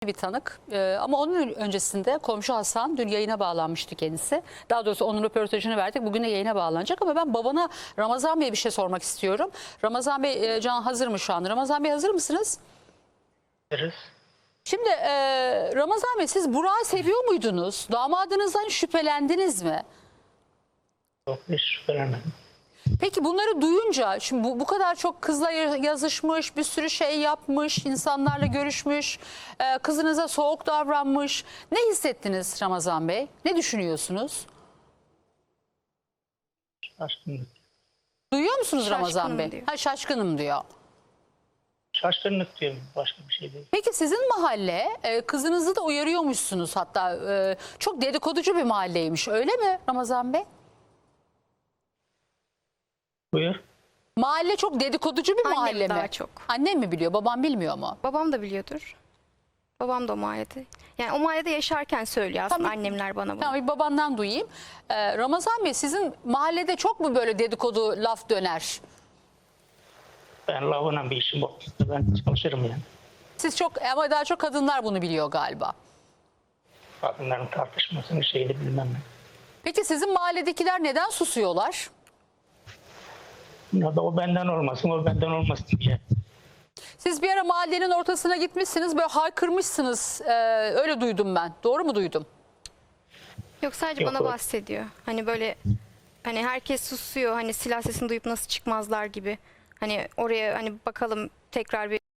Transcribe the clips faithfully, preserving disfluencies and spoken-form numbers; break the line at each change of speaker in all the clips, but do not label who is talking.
bir tanık. Ee, ama onun öncesinde komşu Hasan dün yayına bağlanmıştı kendisi. Daha doğrusu onun röportajını verdik. Bugün de yayına bağlanacak ama ben babana Ramazan Bey'e bir şey sormak istiyorum. Ramazan Bey, e, Can hazır mı şu an? Ramazan Bey hazır mısınız?
Hazırız.
Şimdi e, Ramazan Bey, siz Burak'ı seviyor muydunuz? Damadınızdan şüphelendiniz mi?
Yok, hiç şüphelenmedim.
Peki bunları duyunca, şimdi bu, bu kadar çok kızla yazışmış, bir sürü şey yapmış, insanlarla görüşmüş, e, kızınıza soğuk davranmış. Ne hissettiniz Ramazan Bey? Ne düşünüyorsunuz?
Şaşkınlık.
Duyuyor musunuz
Şaşkınım
Ramazan Bey?
diyor.
Ha, şaşkınım diyor.
Şaşkınlık diyorum, başka bir şey değil.
Peki sizin mahalle, e, kızınızı da uyarıyormuşsunuz hatta. E, çok dedikoducu bir mahalleymiş, öyle mi Ramazan Bey?
Buyur.
Mahalle çok dedikoducu bir
Annem
mahalle mi?
daha çok.
Annem mi biliyor, babam bilmiyor mu?
Babam da biliyordur. Babam da o mahallede. Yani o mahallede yaşarken söylüyor aslında
Tamam.
annemler bana bunu.
Tamam, bir babandan duyayım. Ee, Ramazan Bey, sizin mahallede çok mu böyle dedikodu laf döner?
Ben lavına bir işim yok. Ben çalışırım yani.
Siz çok, ama daha çok kadınlar bunu biliyor galiba.
Kadınların tartışmasını şeyini bilmem ben.
Peki sizin mahalledekiler neden susuyorlar?
Ya da o benden olmasın, o benden olmasın diye.
Siz bir ara mahallenin ortasına gitmişsiniz, böyle haykırmışsınız. Ee, öyle duydum ben. Doğru mu duydum?
Yok, sadece
Yok,
bana
o-
bahsediyor. Hani böyle hani herkes susuyor. Hani silah sesini duyup nasıl çıkmazlar gibi. Hani oraya hani bakalım tekrar bir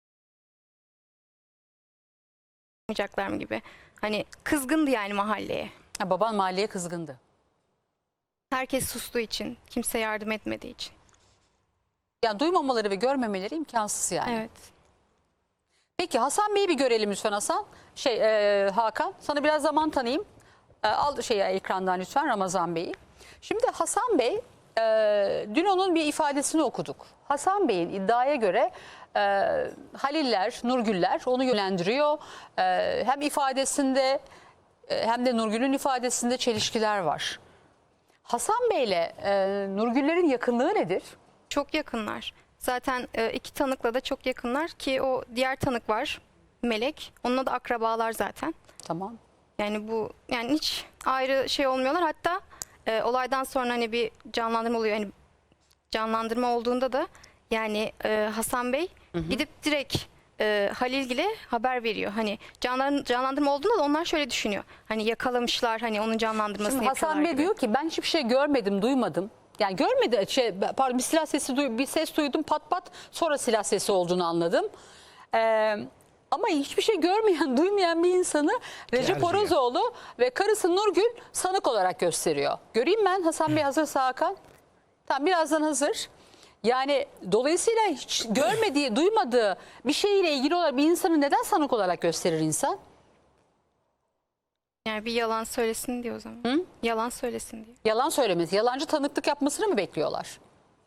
yapmayacaklar mı gibi. Hani kızgındı yani mahalleye.
Ha, baban mahalleye kızgındı.
Herkes sustuğu için, kimse yardım etmediği için.
Yani duymamaları ve görmemeleri imkansız yani.
Evet.
Peki Hasan Bey'i bir görelim lütfen Hasan. Şey e, Hakan, sana biraz zaman tanıyayım. E, al şeyi ekrandan lütfen Ramazan Bey'i. Şimdi Hasan Bey, e, dün onun bir ifadesini okuduk. Hasan Bey'in iddiaya göre e, Haliller, Nurgüller onu yönlendiriyor. E, hem ifadesinde e, hem de Nurgül'ün ifadesinde çelişkiler var. Hasan Bey'le e, Nurgüller'in yakınlığı nedir?
Çok yakınlar. Zaten e, iki tanıkla da çok yakınlar ki o diğer tanık var, Melek. Onunla da akrabalar zaten.
Tamam.
Yani bu yani hiç ayrı şey olmuyorlar. Hatta e, olaydan sonra hani bir canlandırma oluyor. Hani canlandırma olduğunda da yani e, Hasan Bey hı hı. gidip direkt e, Halilgil'e haber veriyor. Hani canlan, canlandırma olduğunda da onlar şöyle düşünüyor. Hani yakalamışlar, hani onun canlandırmasını
Şimdi
yapıyorlar
Hasan Bey
gibi.
diyor ki ben hiçbir şey görmedim, duymadım. Yani görmedi, şey, pardon bir silah sesi, duy, bir ses duydum pat pat, sonra silah sesi olduğunu anladım. Ee, ama hiçbir şey görmeyen, duymayan bir insanı Recep Orozoğlu ve karısı Nurgül sanık olarak gösteriyor. Göreyim ben Hasan Bey, hazırsa Hakan. Tamam, birazdan hazır. Yani dolayısıyla hiç görmediği, duymadığı bir şeyle ilgili olarak bir insanı neden sanık olarak gösterir insan?
Yani bir yalan söylesin diyor o zaman.
Hı?
Yalan söylesin diyor.
Yalan söylemesi, yalancı tanıklık yapmasını mı bekliyorlar?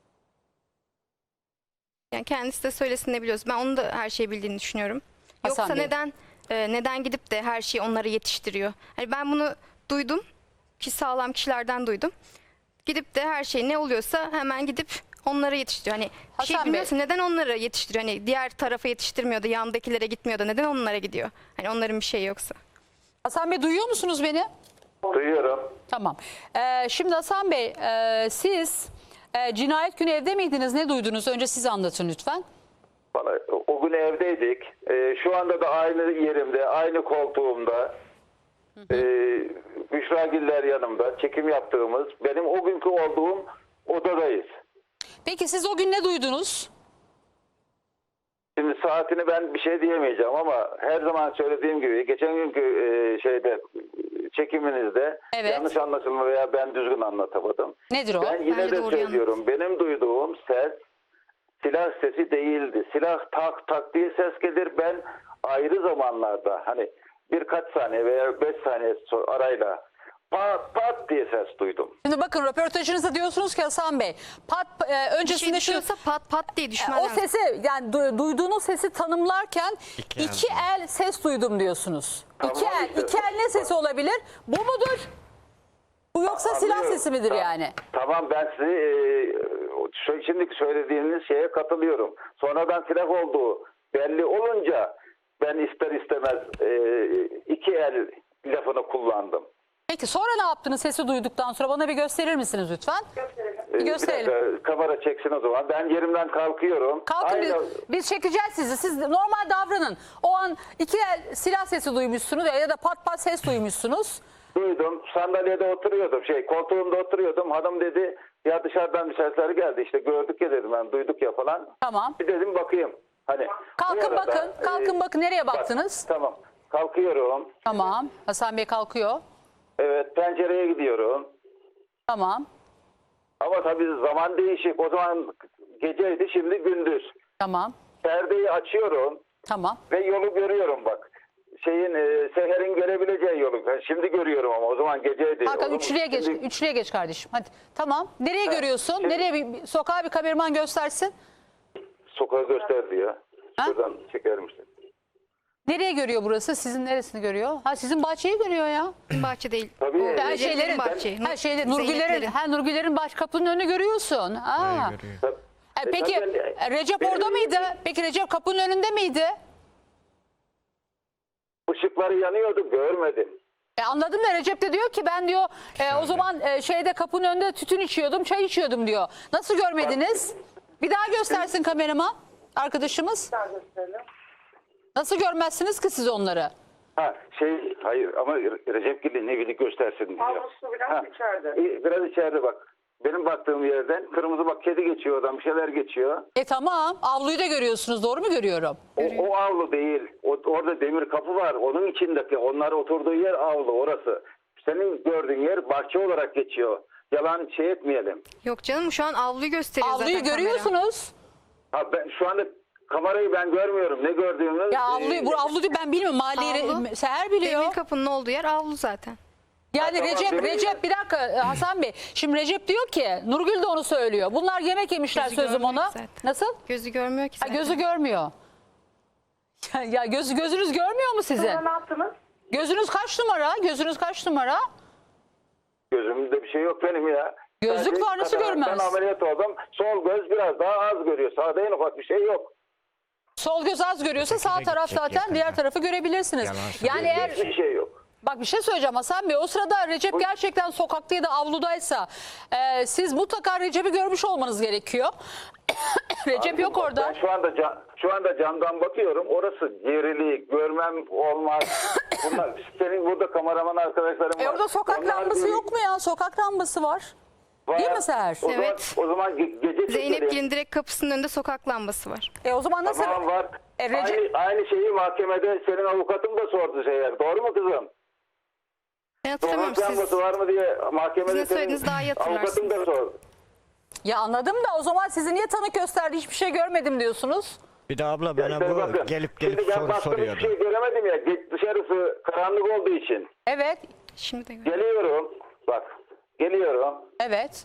Yani kendisi de söylesin ne biliyoruz. Ben onun da her şeyi bildiğini düşünüyorum.
Hasan
Yoksa
Bey.
neden e, neden gidip de her şeyi onlara yetiştiriyor? Hani ben bunu duydum ki sağlam kişilerden duydum. Gidip de her şey ne oluyorsa hemen gidip onlara yetiştiriyor. Hani bir şey
Hasan Bey.
bilmiyorsun, neden onlara yetiştiriyor? Hani diğer tarafa yetiştirmiyor da yandakilere gitmiyor da neden onlara gidiyor? Hani onların bir şeyi yoksa.
Hasan Bey, duyuyor musunuz beni?
Duyuyorum.
Tamam. Ee, şimdi Hasan Bey, e, siz e, cinayet günü evde miydiniz? Ne duydunuz? Önce siz anlatın lütfen.
Vallahi o gün evdeydik. Ee, şu anda da aynı yerimde, aynı koltuğumda. Ee, Büşra Giller yanımda. Çekim yaptığımız, benim o günkü olduğum odadayız.
Peki siz o gün ne duydunuz?
Şimdi saatini ben bir şey diyemeyeceğim ama her zaman söylediğim gibi geçen günkü e, şeyde çekiminizde
Evet.
yanlış anlaşılma veya ben düzgün anlatamadım.
Nedir o?
Ben yine
Bence
de
doğru
söylüyorum. Benim duyduğum ses silah sesi değildi. Silah tak tak diye ses gelir. Ben ayrı zamanlarda hani birkaç saniye veya beş saniye arayla pat pat diye ses duydum.
Şimdi bakın, röportajınızda diyorsunuz ki Hasan Bey, pat, e,
Bir şey
öncesinde şu
düşüyorsa pat pat diye düşmez.
o sesi, yani du, duyduğunuz sesi tanımlarken iki,
İki el.
el ses duydum diyorsunuz.
Tamam
iki el,
işte.
iki el ne sesi olabilir? Bu mudur? Bu yoksa silah
Anlıyorum.
sesi midir
Tamam.
yani?
Tamam, ben sizi e, şu- şimdi söylediğiniz şeye katılıyorum. Sonradan silah olduğu belli olunca ben ister istemez e, iki el lafını kullandım.
Peki sonra ne yaptınız sesi duyduktan sonra? Bana bir gösterir misiniz lütfen?
E,
Bir gösterelim.
Bir dakika, kamera çeksin o zaman. Ben yerimden kalkıyorum.
Kalkın
Aynı-
biz, biz çekeceğiz sizi. Siz normal davranın. O an iki el silah sesi duymuşsunuz ya da pat pat ses duymuşsunuz.
Duydum. Sandalyede oturuyordum. Şey koltuğumda oturuyordum. Hanım dedi ya dışarıdan bir sesler geldi. İşte gördük ya dedim ben. Duyduk ya falan.
Tamam.
Bir dedim bakayım. Hani
Kalkın
bu arada,
bakın. Kalkın
e,
bakın. Nereye
bak,
baktınız?
Tamam. Kalkıyorum.
Tamam. Hasan Bey kalkıyor.
Evet, pencereye gidiyorum.
Tamam.
Ama tabii zaman değişik. O zaman geceydi, şimdi gündüz.
Tamam.
Perdeyi açıyorum
Tamam.
ve yolu görüyorum bak. Şeyin e, Seher'in görebileceği yolu. Ben şimdi görüyorum ama o zaman geceydi.
Hakan
Oğlum,
üçlüye geç.
şimdi
Üçlüye geç kardeşim. Hadi. Tamam. Nereye görüyorsun?
şimdi-
Nereye bir, bir- sokağa bir kameraman göstersin.
Sokağı gösterdi ya.
Ha?
Şuradan çeker misin?
Nereye görüyor burası? Sizin neresini görüyor? Ha sizin bahçeyi görüyor ya.
Bahçe değil.
Tabii.
O
Her
Her
Recep'lerin
şeylerin,
bahçe.
her şeyde
Zeynep'lerin.
Nurgüllerin, ha Nurgüllerin baş kapının önünü görüyorsun. Ha.
Tabii.
E,
E,
peki
tabii,
e, Recep
benim-
orada mıydı? Peki Recep kapının önünde miydi?
Işıkları yanıyordu, görmedim.
E, anladım da Recep de diyor ki ben diyor e, o zaman e, şeyde kapının önünde tütün içiyordum, çay içiyordum diyor. Nasıl görmediniz? Bir daha göstersin kameraman arkadaşımız. Nasıl görmezsiniz ki siz onları?
Ha şey hayır ama Recep Gül'ün evini göstersin diyor.
Avlusu biraz
Ha,
içeride.
e, Biraz içeride bak. Benim baktığım yerden kırmızı bak kedi geçiyor oradan bir şeyler geçiyor.
E tamam avluyu da görüyorsunuz doğru mu görüyorum?
O, o avlu değil. O, orada demir kapı var. Onun içindeki onlar oturduğu yer avlu orası. Senin gördüğün yer bahçe olarak geçiyor. Yalan şey etmeyelim.
Yok canım şu an avluyu gösteriyor
Avluyu
zaten kamera.
görüyorsunuz.
Ha ben şu anda kamerayı ben görmüyorum. Ne gördüğümü.
Ya avluyu, bu avlu diyor ben bilmiyorum mahalleyi
Avlu.
Re- Seher biliyor.
Demir kapının olduğu yer avlu zaten.
Yani
Ha, tamam,
Recep,
demir-
Recep bir dakika e, Hasan Bey. Şimdi Recep diyor ki Nurgül de onu söylüyor. Bunlar yemek yemişler
Gözü
sözüm
görmüyor
ona.
ki zaten.
Nasıl?
Gözü görmüyor ki
Ha,
zaten.
gözü görmüyor. Ya, ya gözü gözünüz görmüyor mu sizin?
Sonra ne yaptınız?
Gözünüz kaç numara? Gözünüz kaç numara?
Gözümde bir şey yok benim ya.
Gözlük
Sadece
var, nasıl
kataraktan
görmez?
ameliyat oldum. Sol göz biraz daha az görüyor. Sağda en ufak bir şey yok.
Sol göz az görüyorsa sağ
Öteki de
taraf
gidecek
zaten
yakında.
diğer tarafı görebilirsiniz.
Yalan söylüyor.
Yani eğer
Hiçbir şey yok.
bak bir şey söyleyeceğim Hasan Bey. O sırada Recep gerçekten sokakta ya da avludaysa e, siz mutlaka Recep'i görmüş olmanız gerekiyor. Recep yok
Bak,
orada.
Ben şu anda ca- şu anda camdan bakıyorum. Orası gerili, görmem olmaz. Bunlar senin burada kameraman arkadaşlarım var.
E orada sokak
Onlar
lambası
bir-
yok mu ya? Sokak lambası var.
var.
Değil mi Seher?
O zaman,
Evet.
o zaman ge- gece
Zeynep
çekelim.
Gil'in direkt kapısının önünde sokak lambası var.
E o zaman nasıl?
Tamam var.
E, Recep-
aynı, aynı şeyi mahkemede senin avukatın da sordu Seher. Doğru mu kızım?
Ben hatırlamıyorum
Sokak
siz.
lambası var mı diye mahkemede
Sizin
senin
söylediğiniz daha iyi
avukatın da sordu.
Ya anladım da o zaman sizi niye tanık gösterdi hiçbir şey görmedim diyorsunuz.
Bir de abla
Ya
bana
işte
bu
bakın,
gelip gelip
şimdi ben
soru
baktım
soruyordu.
hiçbir şey göremedim ya. Ge- Dışarısı karanlık olduğu için.
Evet.
Şimdi de gör-
Geliyorum. Bak. Geliyorum.
Evet.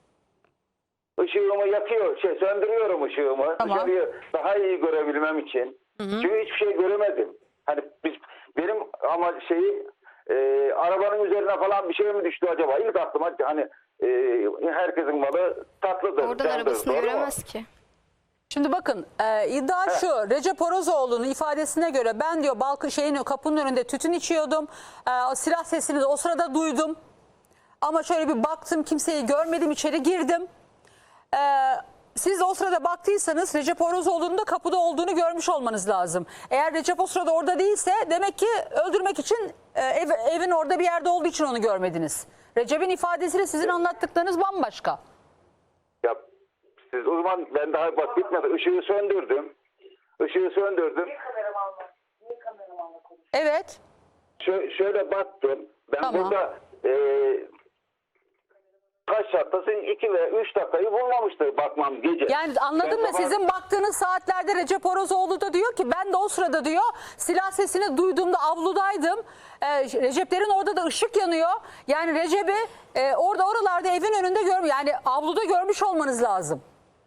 Işığımı yakıyor. Şey söndürüyorum ışığımı.
Tamam.
Dışarıyı daha iyi görebilmem için. Çünkü hiçbir şey göremedim. Hani biz, benim ama şeyi e, arabanın üzerine falan bir şey mi düştü acaba? İlk aklıma hani e, herkesin malı tatlıdır.
Oradan
candır,
arabasını
doğru mu?
göremez ki.
Şimdi bakın e, iddia şu Recep Orozoğlu'nun ifadesine göre ben diyor balkın şeyin kapının önünde tütün içiyordum. E, silah sesini de o sırada duydum. Ama şöyle bir baktım kimseyi görmedim içeri girdim. E, siz o sırada baktıysanız Recep Orozoğlu'nun da kapıda olduğunu görmüş olmanız lazım. Eğer Recep o sırada orada değilse demek ki öldürmek için e, ev, evin orada bir yerde olduğu için onu görmediniz. Recep'in ifadesiyle sizin anlattıklarınız bambaşka.
Ya siz o zaman ben daha bak bitmedi. Işığı söndürdüm. Işığı söndürdüm.
Niye kameramanla? Niye kameramanla konuşuyorsun?
Evet.
Şö- şöyle baktım. Ben
Tamam.
burada e, kaç dakikası iki ve üç dakikayı bulmamıştı bakmam gece.
Yani anladım
Ben
da
sabah-
sizin baktığınız saatlerde Recep Orozoğlu da diyor ki ben de o sırada diyor silah sesini duyduğumda avludaydım. Ee, Receplerin orada da ışık yanıyor. Yani Recep'i e, orada oralarda evin önünde görmüyor. Yani avluda görmüş olmanız lazım.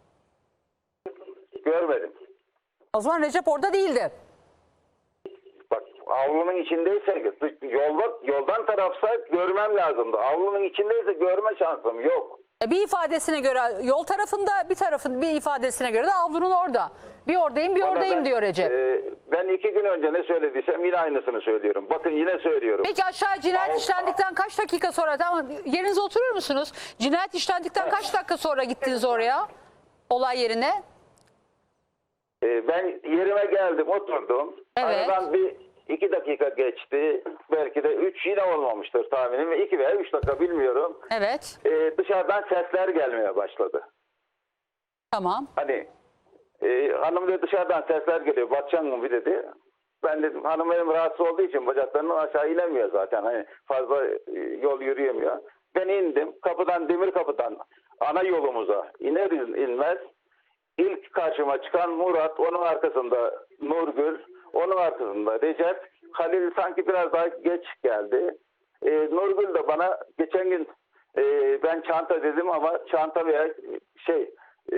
Görmedim.
O zaman Recep orada değildi.
Bak avlunun içindeyse yolda, yoldan tarafsa görmem lazımdı. Avlunun içindeyse görme şansım yok.
E, Bir ifadesine göre yol tarafında, bir tarafın bir ifadesine göre de avlunun orada. Bir oradayım bir
Ama
oradayım
ben,
diyor Recep.
e, ben iki gün önce ne söylediysem yine aynısını söylüyorum. Bakın yine söylüyorum.
Peki aşağı cinayet
Av-
işlendikten kaç dakika sonra, tamam yerinize oturur musunuz? Cinayet işlendikten kaç dakika sonra gittiniz oraya? Olay yerine?
E, ben yerime geldim, oturdum.
Evet.
Aradan bir iki dakika geçti. Belki de üç yine olmamıştır tahminim. İki veya üç dakika bilmiyorum.
Evet.
E, dışarıdan sesler gelmeye başladı.
Tamam.
Hani e, hanım dedi dışarıdan sesler geliyor. Bakacaksın mı bir dedi. Ben dedim hanım benim rahatsız olduğu için bacaklarından aşağı inemiyor zaten. Hani fazla e, yol yürüyemiyor. Ben indim. Kapıdan, demir kapıdan ana yolumuza iner inmez ilk karşıma çıkan Murat, onun arkasında Nurgül, onun arkasında Recep. Halil sanki biraz daha geç geldi. E, Nurgül de bana geçen gün e, ben çanta dedim ama çanta veya şey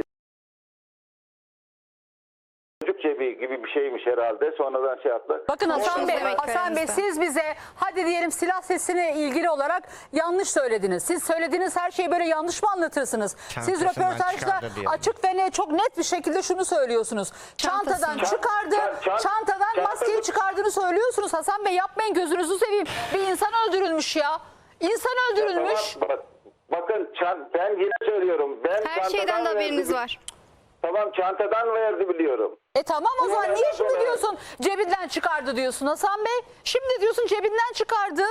çocuk cebi gibi bir şeymiş herhalde. Sonradan şey yaptı.
Bakın Hasan
Konuştunuz
Bey,
demek ki
Hasan Bey
aranızda.
siz bize hadi diyelim silah sesine ilgili olarak yanlış söylediniz. Siz söylediğiniz her şeyi böyle yanlış mı anlatırsınız? Siz
Çantasından
röportajda
çıkardı diyelim.
açık ve net, çok net bir şekilde şunu söylüyorsunuz. Çantadan
Çantasından.
çıkardı,
Çan- çan-
çantadan
çantadan-
maskeyi çıkardığını söylüyorsunuz. Hasan Bey yapmayın, gözünüzü seveyim. Bir insan öldürülmüş ya. İnsan öldürülmüş.
Tamam, bak, bakın çan, ben yine söylüyorum. Ben
Her
çantadan
şeyden de haberiniz
verdi-
var.
Tamam çantadan verdi biliyorum.
E tamam o zaman
Bunlar
niye
nereden
şimdi
sonra-
diyorsun cebinden çıkardı diyorsun Hasan Bey? Şimdi diyorsun cebinden çıkardı.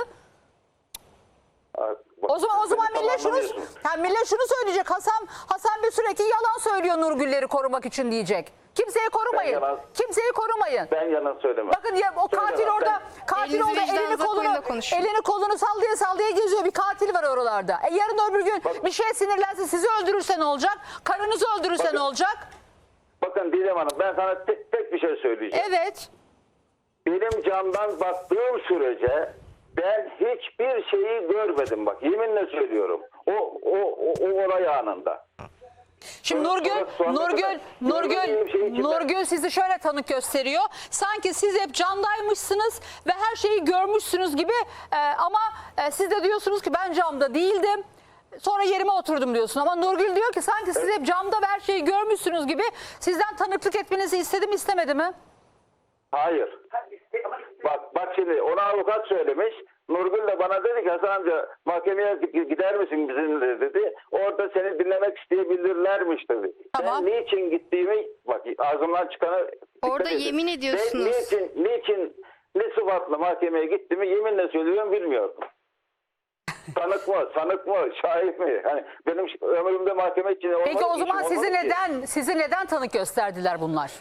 Aa, bak,
O zaman o zaman
beni
millet şunu
tamamlamıyorsun.
ha, millet şunu söyleyecek. Hasan Hasan Bey sürekli yalan söylüyor Nurgülleri korumak için diyecek. Kimseyi korumayın.
Ben yalan-
Kimseyi korumayın.
Ben yalan söylemem.
Bakın ya o katil
Söylemem,
orada
ben-
katil
Elinizi
orada elini
vicdanınıza koyun
kolunu
da konuşun.
elini kolunu sallaya sallaya geziyor. Bir katil var oralarda. E yarın öbür gün
Bak-
bir şey sinirlense sizi öldürürse ne olacak? Karınızı öldürürse
Bakın-
ne olacak?
Bakın Didem Hanım ben sana tek, tek bir şey söyleyeceğim.
Evet.
Benim camdan baktığım sürece ben hiçbir şeyi görmedim bak. Yeminle söylüyorum. O o o, o olay anında.
Şimdi
Sonra-
Nurgül,
sonra- sonra
Nurgül,
kadar
Nurgül,
görmediğim şeyin içinde-
Nurgül sizi şöyle tanık gösteriyor. Sanki siz hep camdaymışsınız ve her şeyi görmüşsünüz gibi e, ama e, siz de diyorsunuz ki ben camda değildim. Sonra yerime oturdum diyorsun ama Nurgül diyor ki sanki siz hep camda ve her şeyi görmüşsünüz gibi sizden tanıklık etmenizi istedim istemedi mi?
Hayır. Bak bak şimdi ona avukat söylemiş. Nurgül de bana dedi ki Hasan amca mahkemeye gider misin bizimle dedi. Orada seni dinlemek isteyebilirlermiş dedi.
Tamam.
Ben niçin gittiğimi bak ağzımdan çıkanı dikkat
Orada
edin.
yemin ediyorsunuz.
Ben niçin, niçin ne sıfatla mahkemeye gittiğimi yeminle söylüyorum bilmiyordum. Tanık mı, sanık mı, şahit mi? Hani benim ömrümde mahkeme için olmadı.
Peki o
işim
zaman sizi
olmadı ki.
neden sizi neden tanık gösterdiler bunlar?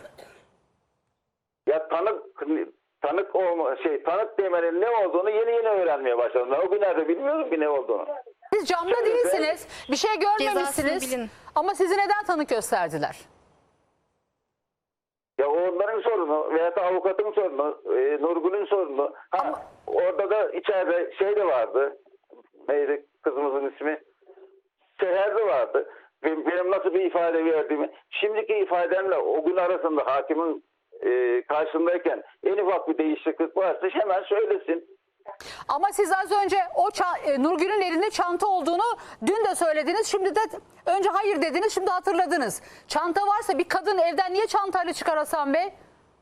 Ya tanık tanık olma şey tanık demenin ne olduğunu yeni yeni öğrenmeye başladım. Ben o günlerde bilmiyordum ki ne olduğunu.
Siz camda
Şöyle,
değilsiniz, bir şey
Cezasını
görmemişsiniz
bilin.
ama sizi neden tanık gösterdiler?
Ya o onların sorunu veya da avukatın sorunu, e, Nurgül'ün sorunu. Ha,
Ama-
orada da içeride şey de vardı. Neydi kızımızın ismi? Seher de vardı. Benim, benim nasıl bir ifade verdiğimi. Şimdiki ifademle o gün arasında hakimin e, karşısındayken en ufak bir değişiklik varsa hemen söylesin.
Ama siz az önce o ça- e, Nurgül'ün elinde çanta olduğunu dün de söylediniz. Şimdi de önce hayır dediniz, şimdi hatırladınız. Çanta varsa bir kadın evden niye çantayla çıkar Hasan Bey?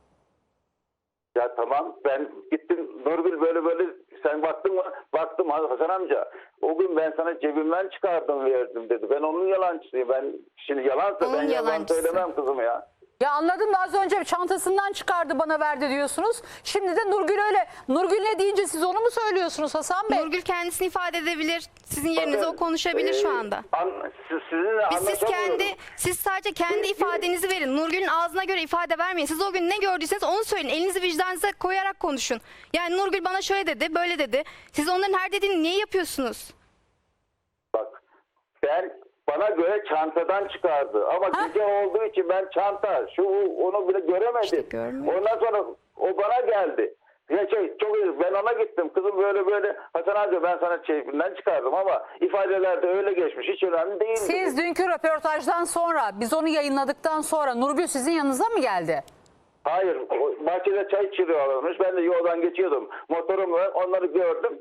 Ya tamam ben gittim Nurgül böyle böyle sen baktın mı? Baktım Hasan amca. O gün ben sana cebimden çıkardım verdim dedi. Ben onun yalancısıyım. Ben şimdi yalansa
Onun
ben yalan
yalancısı.
söylemem kızım ya.
Ya anladım da az önce çantasından çıkardı bana verdi diyorsunuz. Şimdi de Nurgül öyle. Nurgül ne deyince siz onu mu söylüyorsunuz Hasan Bey?
Nurgül kendisini ifade edebilir. Sizin yerinize o konuşabilir şu
Ee,
anda.
An, siz, sizinle
Biz siz
anlaşamıyorum.
kendi siz sadece kendi ifadenizi verin. Nurgül'ün ağzına göre ifade vermeyin. Siz o gün ne gördüyseniz onu söyleyin. Elinizi vicdanınıza koyarak konuşun. Yani Nurgül bana şöyle dedi, böyle dedi. Siz onların her dediğini niye yapıyorsunuz?
Bak ben bana göre çantadan çıkardı. Ama
Ha?
gece olduğu için ben çanta şu onu bile göremedim.
İşte görmüyor.
Ondan sonra o bana geldi. Ya şey çok iyi ben ona gittim. Kızım böyle böyle Hasan amca ben sana çeyifinden çıkardım ama ifadelerde öyle geçmiş. Hiç önemli değil.
Siz dünkü röportajdan sonra, biz onu yayınladıktan sonra Nurgül sizin yanınıza mı geldi?
Hayır. o bahçede çay içiriyorlarmış. Ben de yoldan geçiyordum. Motorumla onları gördüm.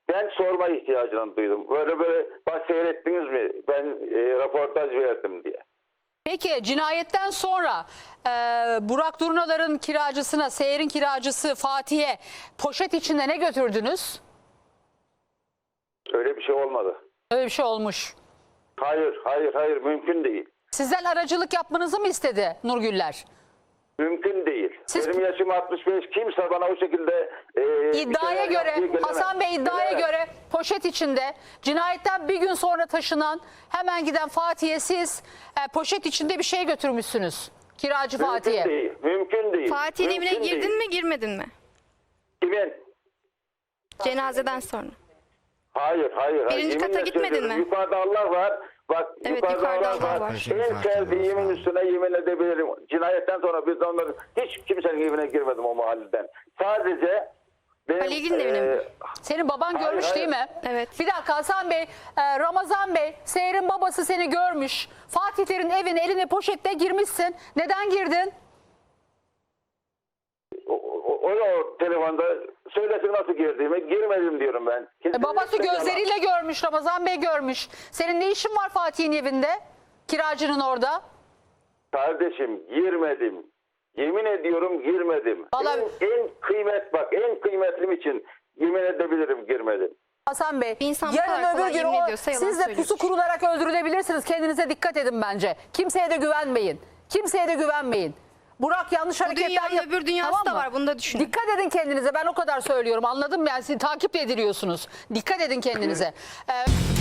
Ben sorma ihtiyacını duydum. Böyle böyle bak seyrettiniz mi? Ben e, röportaj verdim diye.
Peki cinayetten sonra e, Burak Durnalar'ın kiracısına, Seher'in kiracısı Fatih'e poşet içinde ne götürdünüz?
Öyle bir şey olmadı.
Öyle bir şey olmuş.
Hayır, hayır, hayır. Mümkün değil.
Sizden aracılık yapmanızı mı istedi Nurgüller?
Mümkün değil.
Siz-
Benim yaşım altmış beş. Kimse bana o şekilde e, bir
İddiaya
şeyler yaptığı
göre,
gelemez.
Hasan Bey iddiaya
Gelemez.
göre poşet içinde cinayetten bir gün sonra taşınan, hemen giden Fatih'e siz e, poşet içinde bir şey götürmüşsünüz. Kiracı
Mümkün
Fatih'e.
değil. Mümkün değil.
Fatih'in
Mümkün
evine girdin
değil.
mi girmedin mi?
Kimin?
Cenazeden sonra.
Hayır, hayır. hayır.
Birinci kata
Yeminle
gitmedin
söylüyorum.
mi?
Yukarıda Allah var. Bak
Evet,
yukarıda,
yukarıda
Allah
Allah
var.
var.
En sevdiğimin üstüne yemin edebilirim. Cinayetten sonra biz de onların hiç kimsenin evine girmedim o mahalleden. Sadece benim,
Ali İlgin'in evine mi?
Senin baban
Hayır,
görmüş
hayır.
değil mi?
Evet.
Bir dakika Hasan Bey, e, Ramazan Bey, Seher'in babası seni görmüş. Fatihlerin evine eline poşetle girmişsin. Neden girdin?
O, o, o, o telefonda söylesin nasıl girdiğimi. Girmedim diyorum ben. Kimse
E, babası
istemem.
gözleriyle görmüş, Ramazan Bey görmüş. Senin ne işin var Fatih'in evinde? Kiracının orada.
Kardeşim girmedim. Yemin ediyorum girmedim.
Vallahi-
En, en kıymet bak en kıymetlim için yemin edebilirim girmedim.
Hasan Bey,
Bir insan bu kadar
yarın
kolay
öbür gün
yemin
o,
ediyorsa yalan
siz de pusu
söylüyordur.
kurularak öldürülebilirsiniz. Kendinize dikkat edin bence. Kimseye de güvenmeyin. Kimseye de güvenmeyin. Burak yanlış hareketler
dünyanın
yap-
öbür dünyası
Tamam
da
mı?
var, bunu da düşünün.
Dikkat edin kendinize, ben o kadar söylüyorum. Anladın mı? Yani sizi takip ediliyorsunuz. Dikkat edin kendinize. Ee,